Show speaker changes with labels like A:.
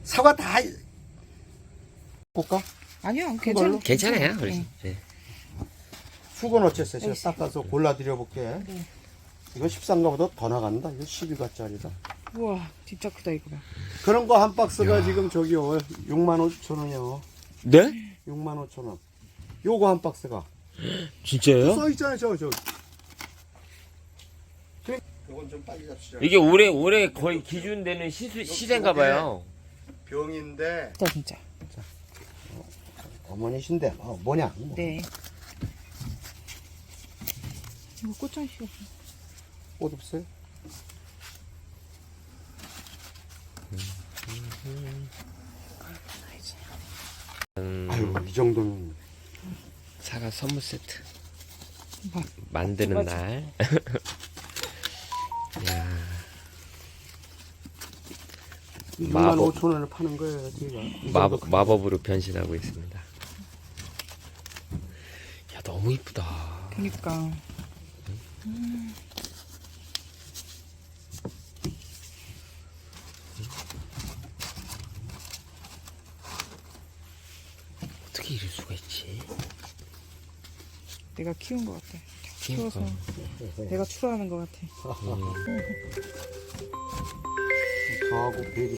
A: 사과 다 볼까?
B: 아니요,
A: 걸로?
C: 괜찮아요. 그래서.
B: 네.
C: 네.
A: 수건 어쨌어요? 제가
B: 여기
A: 닦아서 골라드려 볼게.
B: 네.
A: 이거 13가보다 더 나간다. 이거 12가짜리다.
B: 우와, 진짜 크다 이거 봐.
A: 그런 거 한 박스가 지금 저기요 65,000원이요.
C: 네?
A: 65,000원. 요거 한 박스가
C: 진짜요?
A: 써 있잖아요. 저. 요건 좀 빨리 잡시죠.
C: 이게 올해 거의 기준되는 시세인가 봐요.
A: 병인데
B: 진짜.
A: 어머니신데 뭐냐?
B: 네. 이거 꽃장식이
A: 옷 없어요? 아유 이 정도면
C: 사과 선물 세트.
B: 봐.
C: 만드는
B: 맞아.
C: 날. 야.
A: 65,000원을 파는 거예요. 제가
C: 마법으로 변신하고 있습니다. 야, 너무 이쁘다.
B: 그니까.
C: 어떻게 이럴 수가 있지?
B: 내가 키운 것 같아.
C: 그러니까.
B: 키워서 내가 추로하는 것 같아.
A: 저하고 베리